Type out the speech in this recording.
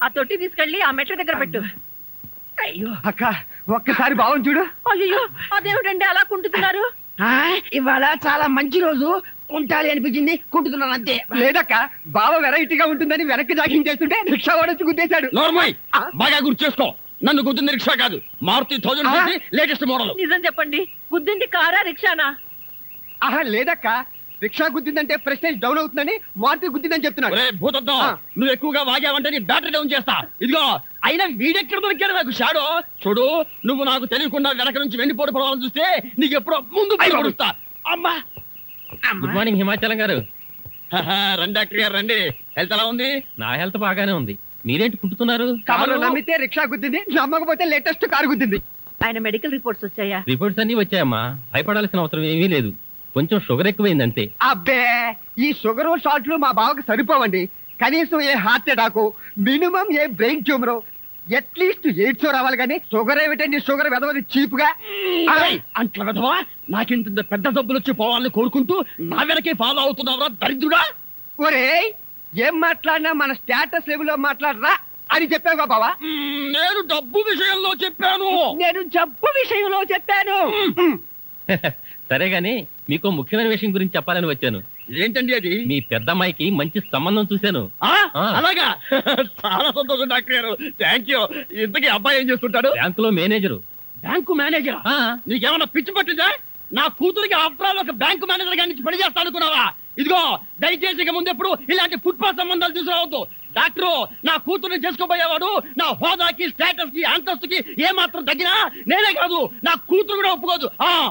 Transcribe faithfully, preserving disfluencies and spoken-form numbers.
తొట్టి తీసుకెళ్లి ఆ మెట్ల దగ్గర పెట్టు. అయ్యో అక్క ఒక్కసారి బావం చూడు. అయ్యో అదేమిటండి అలా కుంటున్నారు? ఇవాళ చాలా మంచి రోజు, కుంటాలి అనిపించింది, కుంటున్నాను అంతే. లేదక్క బావ వెరైటీగా ఉంటుందని వెనక్కి జాగింగ్ చేస్తుంటే రిక్షా వాడొచ్చి గుద్దేశాడు. నోర్మోయ్ బాగా గుర్తు చేసుకో, నన్ను గుద్దింది రిక్షా కాదు, మారుతి థౌజండ్ లేటెస్ట్ మోడల్. నిజం చెప్పండి, గుద్దింది కారా రిక్షానా? ఆహా లేదక్క, రిక్షా గుద్దిందంటే ప్రెస్టేజ్ డౌన్ అవుతుందని మారుతి గుద్దిందని చెప్తున్నాడు. ఒరే భూతత్వం, నువ్వు ఎక్కువగా వాగావంటే నీ బ్యాటరీ డౌన్ చేస్తా. ఇదిగో అయినా వీడెక్కడ దొరికాడు నాకు షాడో. చూడు, నువ్వు నాకు తెలియకుండా వెనక నుంచి వెండిపోటు పడవాలని చూస్తే నీకు ఎప్పుడో ముందు పడుస్తా. అమ్మా గుడ్ మార్నింగ్ హిమాచలం గారు. రండి డాక్టర్ గారు రండి. హెల్త్ ఎలా ఉంది? నా హెల్త్ బాగానే ఉంది. మీరేంటి కుంటున్నారు? కారు నమ్మితే రిక్షా గుద్దింది, నమ్మకపోతే లేటెస్ట్ కారు గుద్దింది. ఆయన మెడికల్ రిపోర్ట్స్ వచ్చాయా? రిపోర్ట్స్ అన్ని వచ్చాయమ్మా, భయపడాల్సిన అవసరం ఏమీ లేదు. కొంచెం షుగర్ ఎక్కువైంది అంతే. అబ్బే ఈ షుగర్ షాట్లు మా బావకు సరిపోవండి. కనీసం a heart attack, minimum a brain tumour, atleast AIDS రావాలి కానీ షుగర్ ఏమిటండి? షుగర్ వెదవది చీప్ గా. అంట్ల వెధవా, నాకింత పెద్ద డబ్బులు వచ్చి పోవాలని కోరుకుంటూ నా వెనకే ఫాలో అవుతున్నావురా దరిద్రుడా. ఒరే ఏం మాట్లాడినా మన స్టేటస్ లెవెల్లో మాట్లాడరా అని చెప్పావుగా బావా. నేను డబ్బు విషయంలో చెప్పాను. నేను జబ్బు విషయంలో చెప్పాను. సరే గాని మీకు ముఖ్యమైన విషయం గురించి చెప్పాలని వచ్చాను. ఏంటండి అది? మీ పెద్దమ్మాయికి మంచి సంబంధం చూశాను. ఆ ఆ. అలాగా, చాలా సంతోషం డాక్టర్ గారు, థ్యాంక్ యూ. ఇంతకీ అబ్బాయి ఏం చేస్తుంటాడు? బ్యాంకులో మేనేజరు. Bank manager? ఆ. నీకేమన్నా పిచ్చి పట్టిందా? నా కూతురికి ఆఫ్టర్ ఆల్ ఒక బ్యాంకు మేనేజర్ గారి నుంచి పని చేస్తా అనుకున్నావా? ఇదిగో దయచేసి ఇక ముందెప్పుడు ఇలాంటి ఫుట్పాత్ సంబంధాలు తీసుకురావద్దు. డాక్టరు, నా కూతుర్ని చేసుకోబోయేవాడు నా హోదాకి, స్టేటస్ కి, అంతస్తుకి ఏ మాత్రం తగ్గినా నేనే కాదు నా కూతురు కూడా ఒప్పుకోదు. ఆ